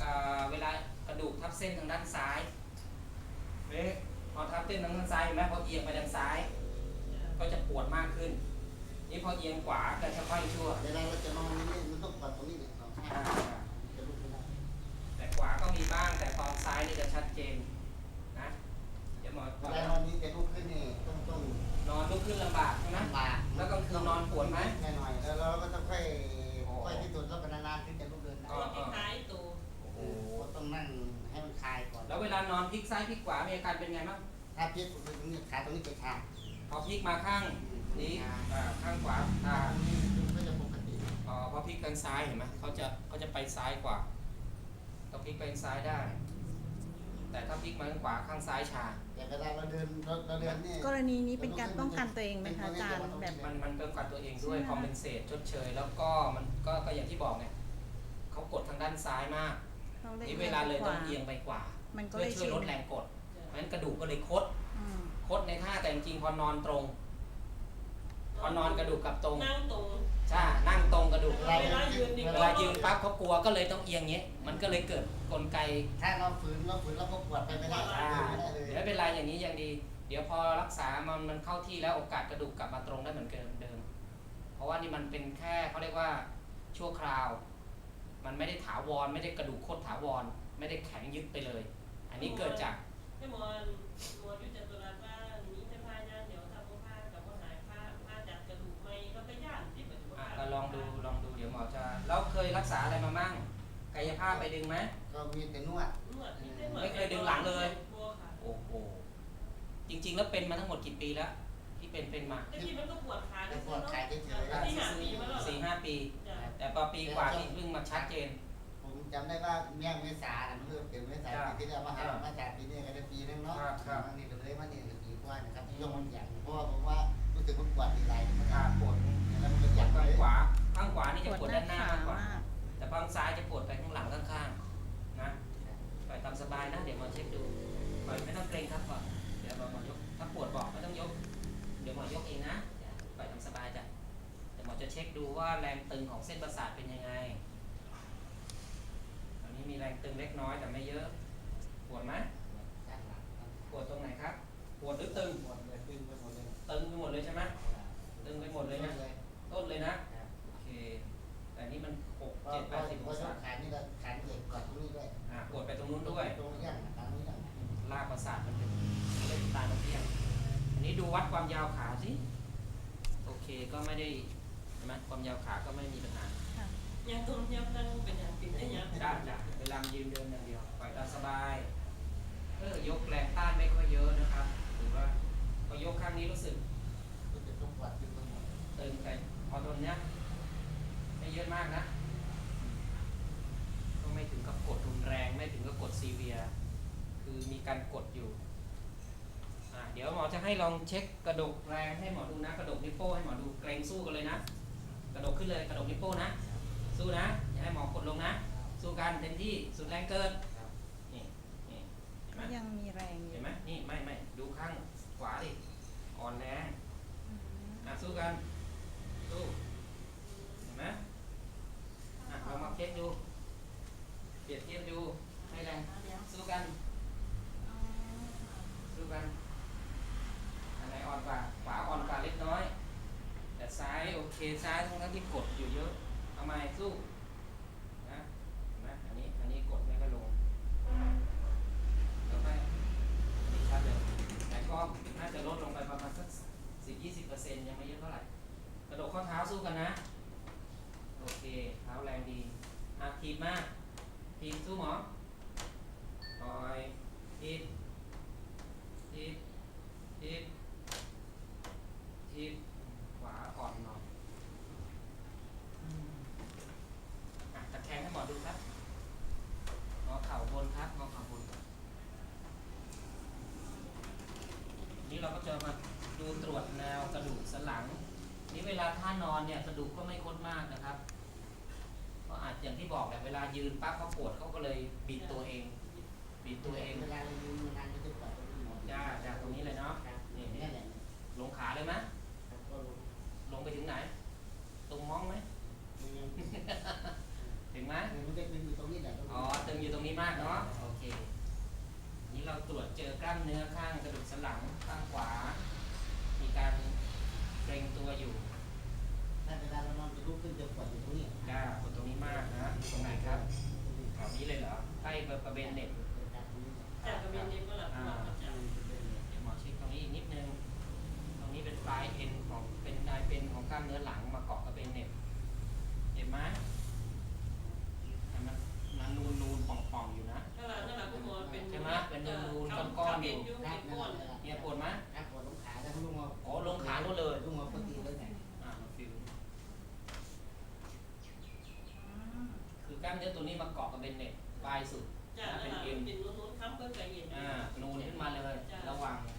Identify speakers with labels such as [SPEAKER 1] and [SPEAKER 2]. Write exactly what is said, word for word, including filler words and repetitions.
[SPEAKER 1] เวลากระดูกทับเส้นทางด้านซ้ายเอ๊ะพอทับเส้นทางด้านซ้ายเห็นไหมพอเอียงไปด้านซ้าย ก็จะปวดมากขึ้นนี่พอเอียงขวาก็จะค่อยชั่ว
[SPEAKER 2] เวลาเราจะนอนนี่มันต้องกดตรงนี้เนี่ยเราจะลุกไม่ได้
[SPEAKER 1] แต่ขวาก็มีบ้างแต่ตอนซ้ายนี่จะชัดเจนนะเดี๋ยวหมอ
[SPEAKER 2] เวลานอนนี้จะลุกขึ้นนี่ต้องต้อง
[SPEAKER 1] นอนลุกขึ้นลำบากใช่ไหม
[SPEAKER 2] ลำบาก
[SPEAKER 1] แล้วก็คือนอนปวดไหม
[SPEAKER 2] แน่หน่อยแล้วเราก็ต้องค่อยค่อยที่สุดแล้วก็นานๆขึ้นจะลุกเดินได้
[SPEAKER 3] ตัวที่ท้ายตัว
[SPEAKER 2] โอ้โหต้องนั่งให้มันคลายก่อน
[SPEAKER 1] แล้วเวลานอนพลิกซ้ายพลิกขวามีอาการเป็นไงบ้าง
[SPEAKER 2] ถ้าพลิกตรงนี้ขาตรงนี้จะชา
[SPEAKER 1] พอพลิกมาข้างนี้ข้างขวา
[SPEAKER 2] ตาตรงนี้ก็จะปกติ
[SPEAKER 1] อ๋อพอพลิกทางซ้ายเห็นไหมเขาจะเขาจะไปซ้ายกว่าต้องพลิกไปซ้ายได้ แต่ถ้าพลิกมาข้างขวาข้างซ้ายชา
[SPEAKER 2] แต่เวลาเราเดินเราเดินนี่
[SPEAKER 4] กรณีนี้เป็นการป้องกันตัวเองไหมคะอาจารย์แบบ
[SPEAKER 1] มันมันป้องกันตัวเองด้วยคอมเพนเซตชดเชยแล้วก็มันก็ก็อย่างที่บอกเนี่ยเขากดทางด้านซ้ายมากนี่เวลาเลยต้องเอียงไปกว่าเพื่อช่วยลดแรงกดเพราะฉะนั้นกระดูกก็เลยคดคดในท่าแต่จริงพอนอนตรงพอนอนกระดูกกับตรง
[SPEAKER 3] นั่งตรง
[SPEAKER 1] ใช่นั่งตรงกระดูก
[SPEAKER 3] เวลายืน
[SPEAKER 1] เวลายืนปั๊บเขากลัวก็เลยต้องเอียงเงี้ยมันก็เลยเกิดกลไก
[SPEAKER 2] ถ้าเราฝืนเราฝืนเราก็ปวดไปไม่ได้
[SPEAKER 1] เดี๋ยวเป็นไรอย่างนี้ยังดีเดี๋ยวพอรักษามันมันเข้าที่แล้วโอกาสกระดูกกลับมาตรงได้เหมือนเดิมเพราะว่านี่มันเป็นแค่เขาเรียกว่าชั่วคราวมันไม่ได้ถาวรไม่ได้กระดูกโคตรถาวรไม่ได้แข็งยึดไปเลยอันนี้เกิดจาก
[SPEAKER 3] ให้หมอหมอยุ่จัตุรัสว่านี้จะพายานเดี๋ยวทำผ้ากับผ้าหายผ้าผ้าจัดกระดูกไม่ก็ไปย่านที่เหมือนว่า
[SPEAKER 1] ก็ลองดูลองดูเดี๋ยวหมอจะแล้วเคยรักษาอะไรมามั่งกายภาพไปดึงไหม
[SPEAKER 2] ก็มีแต่นวด
[SPEAKER 3] นวด
[SPEAKER 1] ไม่เคยดึงหลังเลยโอ้โหจริงๆแล้วเป็นมาทั้งหมดกี่ปีแล้วที่เป็นเป็นมา
[SPEAKER 3] ที่มันก็ปวดขา
[SPEAKER 2] ปวดขาเฉย
[SPEAKER 3] ๆที่ห้าปีมาแล้ว
[SPEAKER 1] สี่ห้าปีแต่พอปีกว่าที่เพิ่งมาชัดเจน
[SPEAKER 2] ผมจำได้ว่าเมี่ยงเมษาเมื่อเป็นเมษาปีที่แล้วมาหามาจากปีนี้ก็ได้ปีนึงเนาะมันนี่ก็เลยมาเนี่ยปีกว่านะครับยกมันอย่างเพราะว่าผมว่ารู้สึกมันปวดทีไรมัน
[SPEAKER 1] ปวด
[SPEAKER 2] แล้วมันก็อยาก
[SPEAKER 1] ข้างขวาข้างขวานี่จะปวดด้านหน้ามากกว่าแต่ข้างซ้ายจะปวดไปข้างหลังข้างๆนะปล่อยตามสบายนะเดี๋ยวมาเช็คดูปล่อยไม่ต้องเกรงครับก่อนเดี๋ยวเราหมอยกถ้าปวดบอกไม่ต้องยกเดี๋ยวหมอยกเองนะปล่อยตามสบายจ้ะเดี๋ยวหมอจะเช็คดูว่าแรงตึงของเส้นประสาทเป็นยังไงตอนนี้มีแรงตึงเล็กน้อยแต่ไม่เยอะปวดไหมปวดตรงไหนครับปวดหรือตึง
[SPEAKER 2] ปวดเลยตึงไปหมดเลย
[SPEAKER 1] ตึงไปหมดเลยใช่ไหมตึงไปหมดเลยนะต้นเลยนะโอเคแต่นี่มันหกเจ็ดแปดสิบองศา
[SPEAKER 2] ขานี่ก็ขาเหล็กกอดตรงนี้ด้วย
[SPEAKER 1] อ่าปวดไปตรงนู้นด้วย
[SPEAKER 2] ตรงนี้อย่างตรงนี้อย่าง
[SPEAKER 1] ลากประสาทมันเป็นเล่นตาตรงนี้อย่างอันนี้ดูวัดความยาวขาสิโอเคก็ไม่ได้ใช่ไหมความยาวขาก็ไม่มีปัญหา
[SPEAKER 3] ยังตรงยังนั่งเป็นอย่างปิดได้ยัง
[SPEAKER 1] ได้จ้ะเวลายืนเดินอย่างเดียวปล่อยตามสบายเออยกแรงต้านไม่ค่อยเยอะนะครับหรือว่าพอยกข้างนี้รู้สึก
[SPEAKER 2] รู้สึกต้องปวดอยู่ตรงนี้
[SPEAKER 1] ตึงไปพอตรงเนี้ยไม่เยอะมากนะก็ไม่ถึงกับกดรุนแรงไม่ถึงกับกดซีเวียคือมีการกดอยู่อ่าเดี๋ยวหมอจะให้ลองเช็คกระดกแรงให้หมอดูนะกระดกนิ้วโป้ให้หมอดูเกรงสู้กันเลยนะกระดกขึ้นเลยกระดกนิ้วโป้นะสู้นะอย่าให้หมอกดลงนะสู้กันเต็มที่สุดแรงเกินนี่นี่เห็นไหม
[SPEAKER 4] ยังมีแรง
[SPEAKER 1] เห็นไหมนี่ไม่ไม่ดูข้างขวาดิอ่อนแรงอ่ะสู้กันสู้เห็นไหมอ่ะเรามาเช็คดูเปรียบเทียบดูให้แรงสู้กันสู้กันอันไหนอ่อนกว่าขวาอ่อนกว่าเล็กน้อยแต่ซ้ายโอเคซ้ายทั้งทั้งที่กดอยู่เยอะทำไมสู้นะเห็นไหมอันนี้อันนี้กดไม่ค่อยลงแล้วไปอันนี้ชัดเลยแต่ก็น่าจะลดลงไปประมาณสักสิบยี่สิบเปอร์เซ็นต์ยังไม่เยอะเท่าไหร่กระโดดข้อเท้าสู้กันนะโอเคเท้าแรงดีอ่ะทีบมากทีบสู้หมอปล่อยทีบทีบทีบทีบขวาอ่อนหน่อยอ่ะตะแคงให้หมอดูครับงอเข่าบนครับงอเข่าบนนี่เราก็จะมาดูตรวจแนวกระดูกสันหลังนี่เวลาท่านอนเนี่ยกระดูกก็ไม่คดมากนะครับก็อาจอย่างที่บอกแหละเวลายืนปั๊บเขาปวดเขาก็เลยบิดตัวเองบิดตัวเอง
[SPEAKER 2] เวลาเรายืนนานก็จะปวดตรงนี้หมด
[SPEAKER 1] จ้าจากตรงนี้เลยเนาะนี่นี่ลงขาเลยไหมลงไปถึงไหนตรงมองไหมถึงไหม
[SPEAKER 2] มันจะตึงอยู่ตรงนี้แหละ
[SPEAKER 1] อ๋อตึงอยู่ตรงนี้ตรวจเจอกล้ามเนื้อข้างกระดูกสันหลังข้างขวา มีการเกร็งตัวอยู่
[SPEAKER 2] ถ้าเวลาเรานอนจะลุกขึ้นจะปวดอยู่ตรงนี้
[SPEAKER 1] จ้าปวดตรงนี้มากนะตรงไหนครับแถวนี้เลยเหรอใกล้บริเวณเน็ต
[SPEAKER 3] จากกระเบนเด็กก็หลับหลับจาก
[SPEAKER 1] เดี๋ยวหมอเช็คตรงนี้อีกนิดนึง ตรงนี้เป็นปลายเอ็นของเป็นปลายเป็นของกล้ามเนื้อหลังมาเกาะกับเป็นเน็ตเห็นไหมมันมันนูนนูนๆป่องป่องๆอยู่นะ
[SPEAKER 3] นั่นแหละนั่นแหละคุณหมอเป็น
[SPEAKER 1] ใช่ไหมเป็นนูนๆก้อนๆอยู่
[SPEAKER 3] เป็นก้อน
[SPEAKER 1] เนี่ยปวดไหม
[SPEAKER 2] ครับปวดลงขาแล้วลุงมา
[SPEAKER 1] โอ้ลงขานู่นเลย
[SPEAKER 2] ลุงมาปกติเลยเนี่ย
[SPEAKER 1] อ่ามาฟิวคือกล้ามเนื้อตัวนี้มาเกาะกับเป็นเน็ตปลายสุด
[SPEAKER 3] จ้ะนั่นแหละเป็นนู้นๆค้ำเพิ่งเคยเห็น
[SPEAKER 1] อ่านูนขึ้นมาเลย ระหว่าง